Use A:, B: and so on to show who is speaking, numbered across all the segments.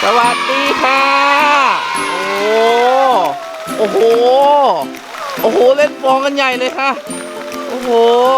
A: สวัสดีค่ะโอ้โหโอ้โหเล่นฟองกันใหญ่เลยค่ะโอ้โห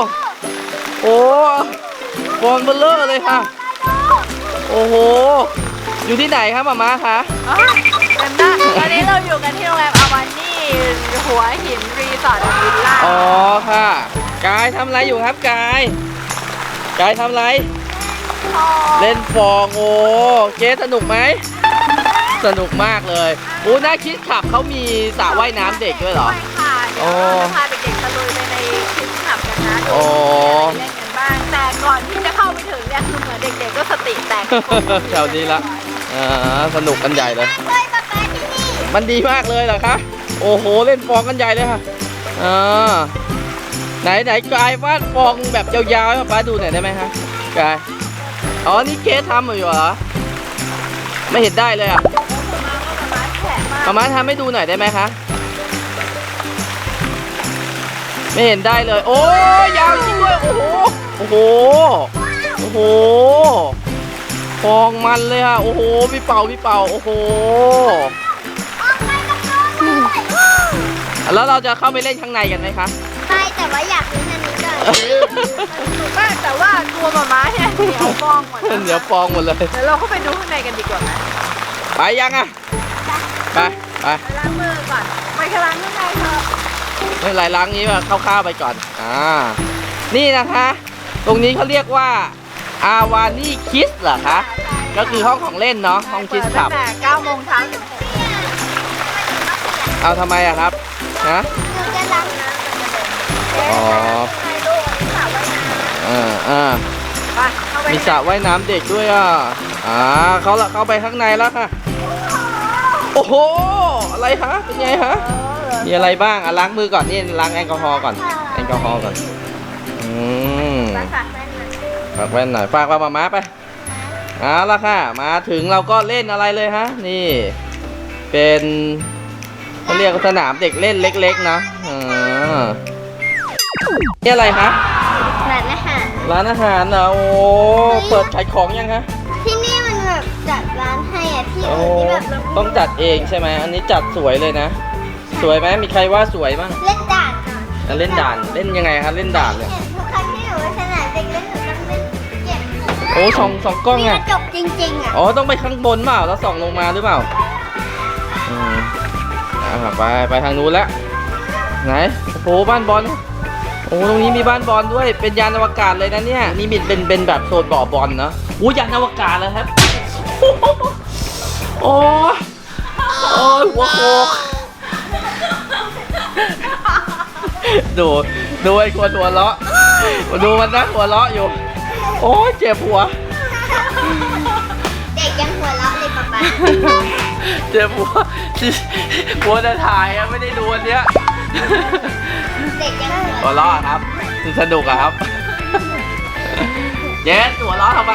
A: ฟองเบลเลอร์เลยค่ะโอ้โหอยู่ที่ไหนครับหม่าคะ
B: กันได้ตอนนี้เราอยู่กันที่โรงแรมอาวานี่หัวหินรีสอร์ทวิลล่า
A: อ๋อค่ะกายทำอะไรอยู่ครับกายทำอะไรเล่นฟองโอ้เจ๊สนุกไหมสนุกมากเลยน่าคิดขับเขามีสระว่ายน้ำเด็กด้วยเหรอ
B: ใช่ค่ะเดี๋ยวเราจะพาเด็กๆตะลุยไปในคิดขับกันนะดูเล่นกันบ้างแต่ก่อนที่จะเข้าไปถึงเนี่ยคือเหมือนเด็กๆก็สติแตก
A: แถวนี้ละสนุกกันใหญ่เลยมันดีมากเลยเหรอคะโอ้โหเล่นฟองกันใหญ่เลยค่ะไหนกายวาดฟองแบบยาวๆให้ป้าดูหน่อยได้ไหมคะกายอ๋อนี่เกสทำอยู่เหรอไม่เห็นได้เลยอ่ะมาทำให้ดูหน่อยได้ไหมคะไม่เห็นได้เลยโอ้ยาวจริงด้วยโอ้โหฟองมันเลยค่ะโอ้โหพี่เป่าโอ้โหแล้วเราจะเข้าไปเล่นข้างในกันไหมคะ
C: ใช่แต่ว่าอยากเล่นอันนี้ก่อน
B: แต่ว่าตัวม้าเนี่ยเหนียวฟองหมด
A: เหนียวฟองหมดเลย
B: เดี๋ยวเราเข้าไปดูข้างในกันดีกว่าไหม
A: ไปยังอ่ะไป
B: ล้างมือก่อนไปล้างข้างในเถอะ
A: ไม่ไรล้างนี้มาคร่าวๆไปก่อนนี่นะคะตรงนี้เขาเรียกว่าอาวานี่คิสเหรอคะก็คือห้องของเล่นเนาะห้องคิสคลับ
B: ตั้งแต่9 โมงเช้าถึง6 โมง
A: เอาทำไมอะครับนะ
C: จะล้างน้
A: อ๋อมีสระว่ายน้ำเด็กด้วยเข้าไปข้างในแล้วค่ะโอ้โหอะไรคะเป็นไงคะมีอะไรบ้างล้างมือก่อนนี่ล้างแอลกอฮอล์ก่อนฝากแว่นหน่อยฝากว่ามาไปแล้วค่ะมาถึงเราก็เล่นอะไรเลยฮะนี่เป็นเขาเรียกสนามเด็กเล่นเล็กๆนะนี่อะไรคะร้านอาหารนะโอ้เปิดขายของยังคะ
C: ที่นี่มันแบบจัดร้านให้อ่ะที่อื่นที่แบบ
A: ต้องจัดเองใช่ไหมอันนี้จัดสวยเลยนะสวยไหมมีใครว่าสวยบ้าง
C: เล่นด่าน
A: เล่นด่านเล่นยังไงครับเล่นด่านเนี่ย
C: ทุกครั้งที่หนูไปสนามเด็กเล่นหนูต้องเล่นเก็บ
A: โอ้สองกล้องไง
C: จบจริงๆอ่ะ
A: ต้องไปข้างบนเปล่าแล้วส่องลงมาหรือเปล่าไปทางนู้นแล้วไหนโอ้บ้านบอลโอ้ตรงนี้มีบ้านบอลด้วยเป็นยานอวกาศเลยนะเนี่ยนี่เป็นแบบโซนบ่อบอลเนาะยานอวกาศเลยครับโอ้หัวโขกดูไอ้คนหัวเราะดูมันนะหัวเราะอยู่โอ้เจ็บหัว
C: เด็กยังหัวเราะเลยป๊า
A: เจ็บหัวจะถ่ายอะไม่ได้ดูอันเนี้ย
C: เด็กยัง
A: หัวเราะครับสนุกอะครับเจ๊หัวเราะทำไม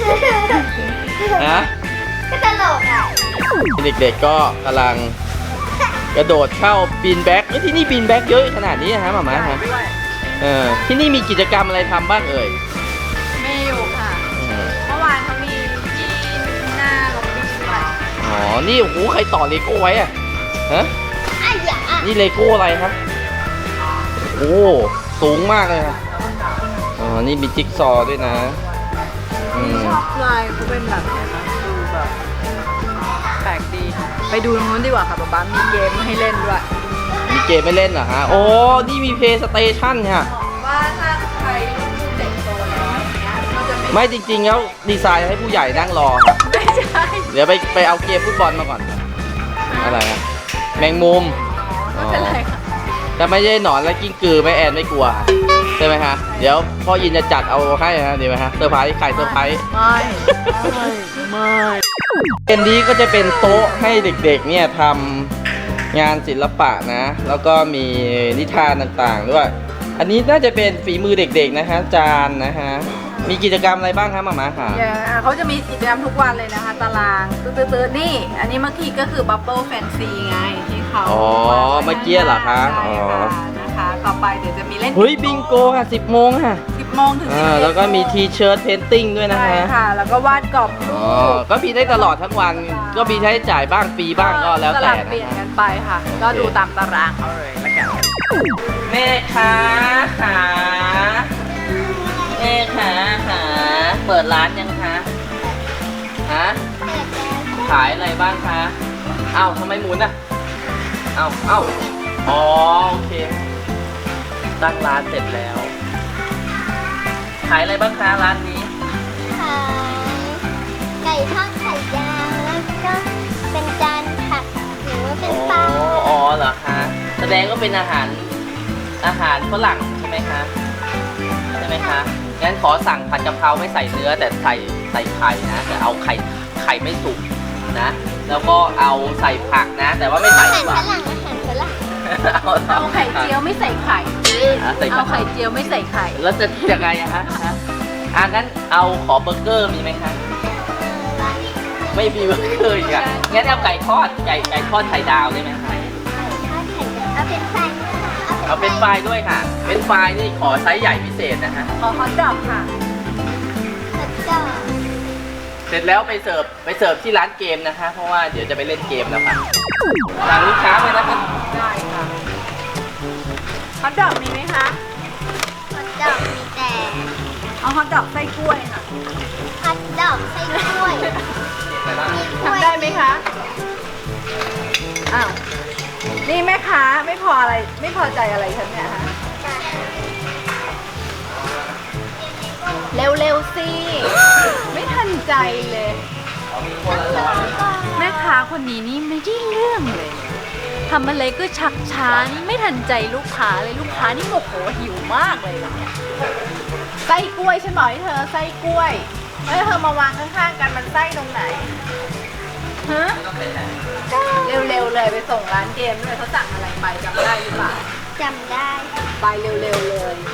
C: ก็ตลกอ่ะ
A: เด็กๆก็กำลังกระโดดเข้าบีนแบ็กที่นี่บีนแบ็กเยอะขนาดนี้นะฮะหม่าฮะที่นี่มีกิจกรรมอะไรทำบ้างเอ่ย
B: มีอยู่ค่ะเมื่อวานเขามีกินหน้าลงดิสด้วย
A: นี่โอ้โหใครต่อเลโก้ไว้อะนี่เลโก้อะไรครับโอ้สูงมากเลยครับนี่มีจิ๊กซอว์ด้วยนะ
B: ชอบลายเขาเป็นแบบดูแบบแปลกดีไปดูตรงนู้นดีกว่าค่ะป๊ามีเกมให้เล่นด้วย
A: มีเกมไม่เล่นเหรอฮะนี่มีเพย์สเตชันค่ะ
B: ว่าถ้าใครเด็กโตแล้ว
A: ไม่จริงๆแล้วดีไซน์ให้ผู้ใหญ่นั่งรอ
B: ไม่ใช่
A: เดี๋ยวไปเอาเกมฟุตบอลมาก่อนอะไรนะแมงมุม
B: ไม่เป็นไรค่ะ
A: ถ้าไม่ใช่หนอนและกิ้งกือไม่แอนไม่กลัวใช่ไหมฮะเดี๋ยวพ่อยินจะจัดเอาให้นะดีไหมฮะเซอร์ไพรส์ไข่เซอร์ไพรส์ไม่เป็นนี้ก็จะเป็นโต๊ะให้เด็กๆเนี่ยทำงานศิลปะนะแล้วก็มีนิทานต่างๆด้วยอันนี้น่าจะเป็นฝีมือเด็กๆนะฮะจานนะฮะมีกิจกรรมอะไรบ้างครับหม่าค่ะ
B: เขาจะมีกิจกรรมทุกวันเลยนะคะตารางตื้อๆนี่อันนี้เมื่อกี้ก็คือ Bubble Fancy ไงที่เขา
A: เมื่อกี้เหรอคะ
B: นะคะต่อไปเดี๋ยวจะมีเล่น
A: บิงโกค่ะ10 โมงค่ะ
B: 10 โมโมงถึง11
A: แล้วก็มีทีเชิร์ตเพนติ้งด้วยนะ
B: ใช่
A: ฮะ
B: ค่ะ แล้วก็วาดกรอบรู
A: อ๋อ
B: ป
A: ก็มีได้ตลอดทั้งวัน ก็มีใช้จ่ายบ้างฟรีบ้างก็แล้วแต่
B: สลับเป
A: นะ
B: ลี่ยน
A: ฮะ
B: กันไปค่ะ ก็ดูตามตารางเอาเลยละกัน
A: แม่ค้าขาแม่ค้าขาเปิดร้านยังคะฮะขายอะไรบ้างคะเอ้าทำไมหมุนอ่ะเอ้าอ๋อโอเคตั้งร้านเสร็จแล้ว ขายอะไรบ้างคะร้านนี้
C: ขายไก่ทอดไข่ยางแล้วก็เป็นจานผักหรือว่าเป็นปลา
A: อ๋อเหรอคะแสดงก็เป็นอาหารฝรั่งใช่ไหมคะใช่ไหมคะงั้นขอสั่งผัดกะเพราไม่ใส่เนื้อแต่ใส่ไข่นะแต่เอาไข่ไม่สุกนะ แล้วก็เอาใส่ผักนะ แต่ว่าไม่ใส่
C: อาหาร
A: ดีก
C: ฝ
A: ว่า
C: รั่งอาหารฝรั่ง
B: เอาไข่เจียวไม่ใส่ไข่
A: ใส่
B: เอาไข่เจียวไม่ใส่ไข่
A: แล้วจะยังไงอะฮะงั้นเอาขอเบอร์เกอร์มีไหมคะไม่มีเบอร์เกอร์อีกอะงั้นเอาไก่ทอดไก่ทอดไข่ดาวได้ไหมคะ
C: เอาเป็นไฟ
A: เอาเป็นไฟล์ด้วยค่ะ เป็นไฟล์นี่ขอไซส์ใหญ่พิเศษนะฮะ
B: ขอฮอตดอกค่ะ
C: แล้วก็
A: เสร็จแล้วไปเสิร์ฟที่ร้านเกมนะคะ เพราะว่าเดี๋ยวจะไปเล่นเกมแล้วค่ะสั่งลูกค้าไปนะคะ
B: ได้ค่ะฮอตดอกมีไหมคะ
C: ฮอทดอกมีแต่
B: เอาฮอตดอกไส้กล้วยค่ะ
C: ฮอทดอกไส้กล้วย
B: ทำได้ไหมคะอ้าวนี่แม่ค้าไม่พอใจอะไรฉันเนี่ยฮะเร็วๆสิ ไม่ทันใจเลย แม่ค้าคนนี้นี่ไม่ได้เรื่องเลยทำอะไรก็ชักช้านี่ไม่ทันใจลูกค้าเลยลูกค้านี่โมโหหิวมากเลยแบบเนี้ยไส้กล้วยฉันบอกให้เธอไส้กล้วยแล้วเธอมาวางข้างๆกันมันไส้ตรงไหนฮะเร็วๆเลยไปส่งร้านเกมด้วยเขาสั่งอะไรไปจำได้หรือเปล่า
C: จำได้
B: ไปเร็วๆเลย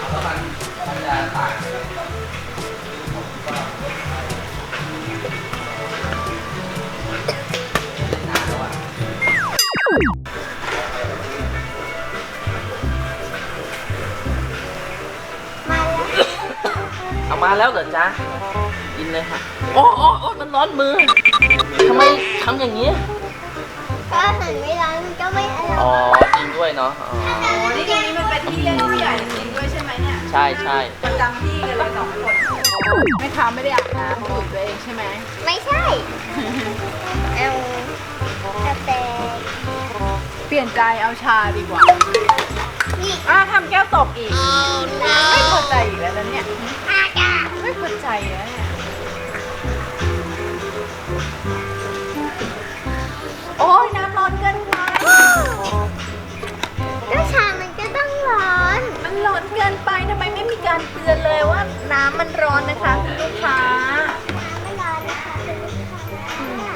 C: มาแล้ว
A: เอามาแล้วเหรอจ๊ะกินเลยค่ะโอ้มันร้อนมือทำไมทำอย่างนี้
C: ก็อาหารไม่ร้อนมันก็ไม่อร่
A: อ๋อ
C: อย
A: จริงด้วยเนาะอ๋อ
B: โอ้นี่ตรงนี้มันเป็นที่เล่นผู้ใหญ่จริงด้วยใช่ไหมเนี่ย
A: ใช่ใช่
B: ประจำที่กันเลยสองคนแม่ค้าไม่ได้อาบน้ำดูดตัวเองใช่ไหม
C: ไม่ใช่ เอากาแฟ
B: เปลี่ยนใจเอาชาดีกว่า
C: นี่
B: ทำแก้วตกอีก ไม่พอใจอีกแล้วนะเนี่ย
C: อากาศ
B: ไม่พอใจแล้วเนี่ย โอ้ยน้ำร้อนเกินไป
C: ก็ชามันก็ต้องร้อน
B: มันร้อนเกินไปทำไมไม่มีการเตือนเลยว่าน้ำมันร้อนนะคะคุณลูกค้า
C: ไม่ร้อนนะคะคุณลูกค้า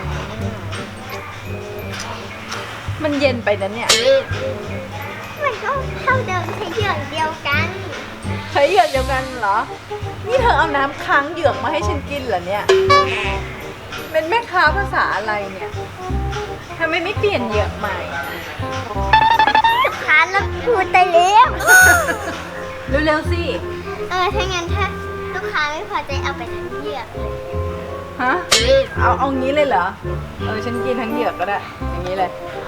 B: มันเย็นไปนะเนี่ย
C: มันก็เท่าเดิมใช้เหยื่อเดียวกัน
B: ใช้เหยือกเดียวกันเหรอ นี่เธอเอาน้ำค้างเหยือกมาให้ฉันกินเหรอเนี่ย เป็นแม่ค้าภาษาอะไรเนี่ยทำไมไม่เปลี่ยนเหยือกใหม่
C: ลูกค้าแล้วพูดไปแล้ว
B: เร็วๆสิ
C: ถ้างั้นถ้าลูกค้าไม่พอใจเอาไปทั้งเหยือกเลย
B: ฮะ เอางี้เลยเหรอ ฉันกินทั้งเหยือกก็ได้ อย่างนี้เลย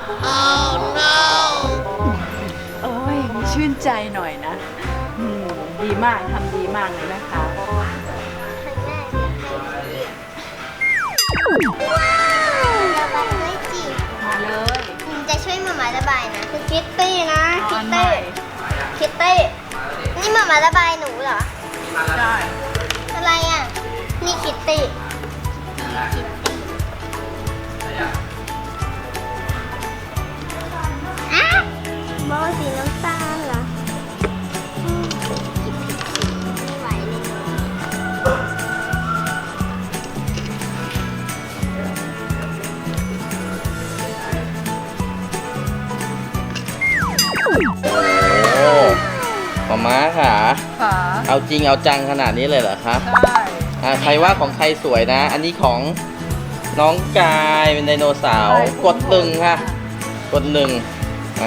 B: โอ้ยมีชื่นใจหน่อยนะดีมากทำดีมากเลยนะคะ
C: ข้างหน้าเดี๋ยวให้เหยือกว้าวระบายไม่จีบ
B: มาเลย
C: จะช่วยหมาระบายนะคือคิตตี้นะ
B: เอา
C: คิ
B: อั
C: ต
B: นใหม่
C: ตี้คิตตี้นี่หมาระบายหนูเหรอ
B: ได้
C: อะไรอ่ะ นี่คิตตี้อ่ะโบสีน้ำตาลเหรอผิดไม่ไหวเลย
A: โอ้มาม่าค่ะ
B: ค่ะ
A: เอาจริงเอาจังขนาดนี้เลยเหรอคะ
B: ได้
A: ใครว่าของใครสวยนะ อันนี้ของน้องกายเป็นไดโนเสาร์กดหนึ่งค่ะ กดหนึ่ง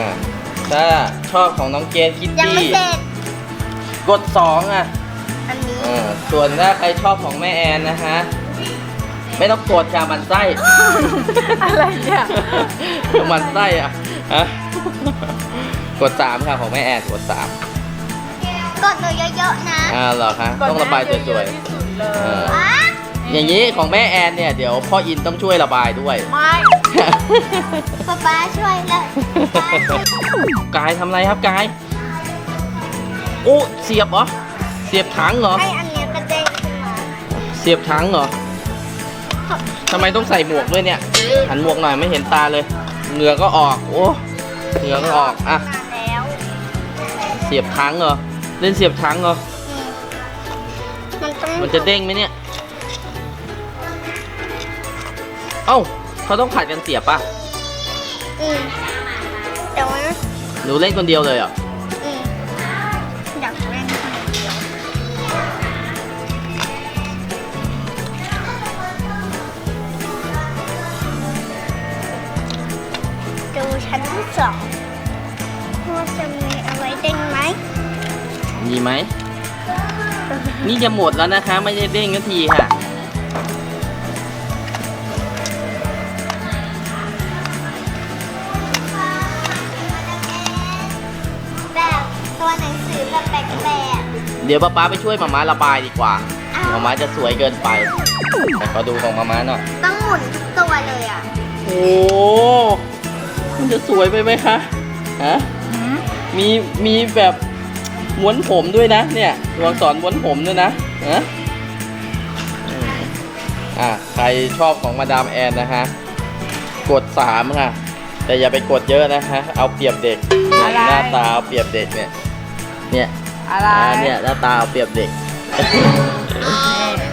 A: ถ้าชอบของน้องเกนคิต
C: ยัง
A: ตี้
C: ไม่เสร็จ
A: กดสองอ่ะ
C: อันนี้
A: ส่วนถ้าใครชอบของแม่แอนนะฮะไม่ต้องกดค่ะมันไส้
B: อะไรเนี่ย
A: มันไส้อ่ะฮะกด3ค่ะของแม่แอนกด3
C: กดหนูเยอะๆนะ
A: เหรอคะต้องระบายสวย
B: ที่สุดเลย
C: ว้า
A: ๆอย่างนี้ของแม่แอนเนี่ยเดี๋ยวพ่ออินต้องช่วยระบายด้วย
B: ไม่
C: ป๊าช่วยแล้ว
A: กายทำอะไรครับกายโอ้เสียบเหรอเสียบถังเหรอ
C: ให้อันเนี้ยกระเด้งขึ้นมา
A: เสียบถังเหรอทำไมต้องใส่หมวกด้วยเนี่ยหันหมวกหน่อยไม่เห็นตาเลยเหงื่อก็ออกโอ้เหงื่อก็ออกอ่ะ
C: มาแล้ว
A: เสียบถังเหรอเล่นเสียบถังเหรอ
C: มันต้อง
A: มันจะเด้งไหมเนี่ยเอ้าเขาต้องผัดกันเสียบป่ะ
C: เดี๋ยวนะ
A: หนูเล่นคนเดียวเลยเหรอ
C: อยากเล่นคนเดียวดูชั้นที่2ว่าจะมีอะไรเด้งไหม
A: มีไหมนี่จะหมดแล้วนะคะไม่ได้เด้งนาทีค่ะ
C: แบบตัวหนังสือแบบแปลก
A: เดี๋ยวป๊าไปช่วยมาม่าระบายดีกว่า
C: ๆอ้าว
A: มาม่าจะสวยเกินไปขอดูของมาม่าหน่อย
C: ต้องหมุนทุกตัวเลยอ่ะ
A: โอ้มันจะสวยไปไหมคะฮะมีแบบม้วนผมด้วยนะเนี่ยตัวอักษรม้วนผมด้วยนะฮะใครชอบของมาดามแอนนะฮะกด3ค่ะแต่อย่าไปกดเยอะนะฮะเอาเปรียบเด็กหน้าตาเอาเปรียบเด็กเนี่ย
B: อะไร
A: เนี่ยหน้าตาเอาเปรียบเด็ก
B: เรียบร้อย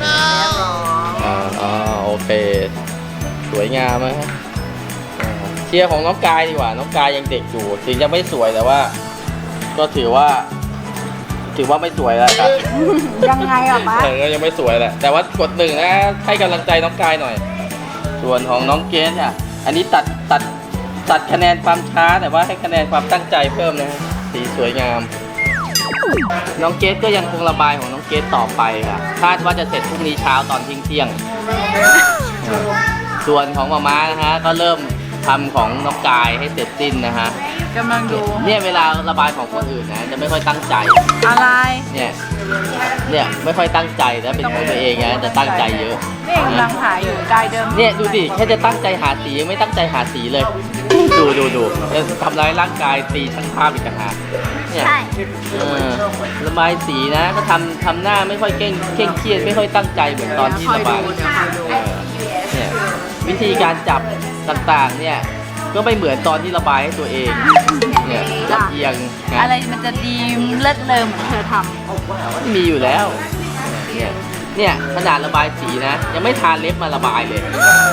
A: โอเคสวยงามนะฮะเชียร์ของน้องกายดีกว่าน้องกายยังเด็กอยู่ถึงจะไม่สวยแต่ว่า ก็ถือว่าไม่สวยแล้วครับ
B: ยังไงอ่ะป๊า
A: ก็ยังไม่สวยแหละแต่ว่ากด1นะให้กำลังใจน้องกายหน่อย ส่วนของน้องเกสอ่ะอันนี้ตัดคะแนนความช้าแต่ว่าให้คะแนนความตั้งใจเพิ่มนะฮะสีสวยงาม น้องเกสก็ยังคงระบายของน้องเกสต่อไปค่ะคาดว่าจะเสร็จพรุ่งนี้เช้าตอนเที่ยงส่วนของมาม่านะฮะก็เริ่มทำของน้องกายให้เสร็จสิ้นนะฮะ
B: กำลังดู
A: เนี่ยเวลาระบายของคนอื่นนะจะไม่ค่อยตั้งใจ
B: อะไร
A: เนี่ยไม่ค่อยตั้งใจนะเป็นของตัวเองนะจะตั้งใจเยอะ
B: นี่กำลังหาอยู่ลายเดิม
A: เนี่ยดูดิแค่จะตั้งใจหาสียังไม่ตั้งใจหาสีเลย ดูจะทำร้ายร่างกายตีช่างภาพอีกต่างหากเนี่ย
C: ใช่
A: ระบายสีนะก็ทำหน้าไม่ค่อยเคร่งเครียดไม่ค่อยตั้งใจเหมือนตอนที่ระบายเนี่ยวิธีการจับต่างๆเนี่ยก็ไม่เหมือนตอนที่ระบายให้ตัวเองเนี่ยลำเอียงนะ
B: อะไรมันจะดีเลิศเลอเหมือนเธอท
A: มีอยู่แล้วเนี่ยขนาดระบายสีนะยังไม่ทาเล็บมาระบายเลย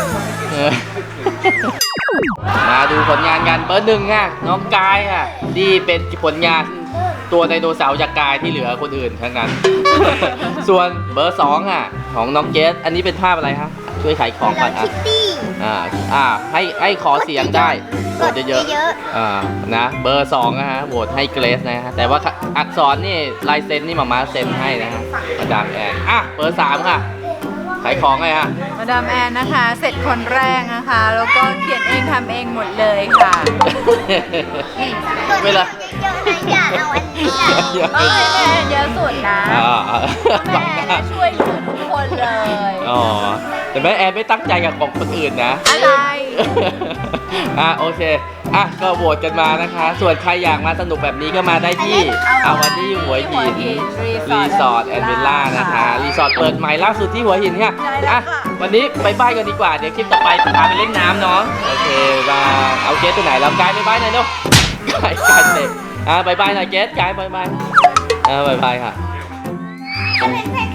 A: มาดูผลงานกันเบอร์1อ่ะน้องกายค่ะนี่เป็นผลงานตัวไดโนเสาร์จากกายที่เหลือคนอื่นทั้งนั้น ส่วนเบอร์2อ่ะของน้องเกสอันนี้เป็นภาพอะไรครับช่วยขายของก่อน
C: คิตตี้
A: ให้ขอเสียงได้โหวตเยอะ
C: เยอะ
A: ๆนะเบอร์2นะฮะโหวตให้เกรซนะฮะแต่ว่าอักษรนี่ลายเซ็นนี่มาม่าเซ็นให้นะฮะมาดามแอนเบอร์3ค่ะขายของไงฮะ
B: ำมาดามแอนนะคะ เสร็จคนแรกนะคะ แล้วก็เขียนเองทำเองหมดเลยค่ะ
A: เวลา
C: เยอะๆนะอย่าเอาอันนี้อ่ะ
B: ต้องให้แม่แอนเยอะสุดนะ
A: บั
B: แม่
A: ง
B: แอน
A: หน้า
B: ช่วยเหลือทุกคนเลย
A: แต่แม่แอนไม่ตั้งใจกับของคนอื่นนะ
B: อะไร
A: โอเคก็โหวตกันมานะคะ ส่วนใครอยากมาสนุกแบบนี้ก็มาได้ที่วันที่หัวหินรีสอร์ทแอนด์วิลล่านะคะรีสอร์ทเปิดใหม่ล่าสุดที่หัวหินค่ะวันนี้ไปบ้านกันดีกว่าเดี๋ยวคลิปต่อไปพาไปเล่นน้ำเนาะโอเคบายเอาเกสตัวไหนเรากายไปบ้านหน่อยเนาะกายเด็กบายบายหน่อยเกสกายบายบายค่ะ
C: เป็นเพลง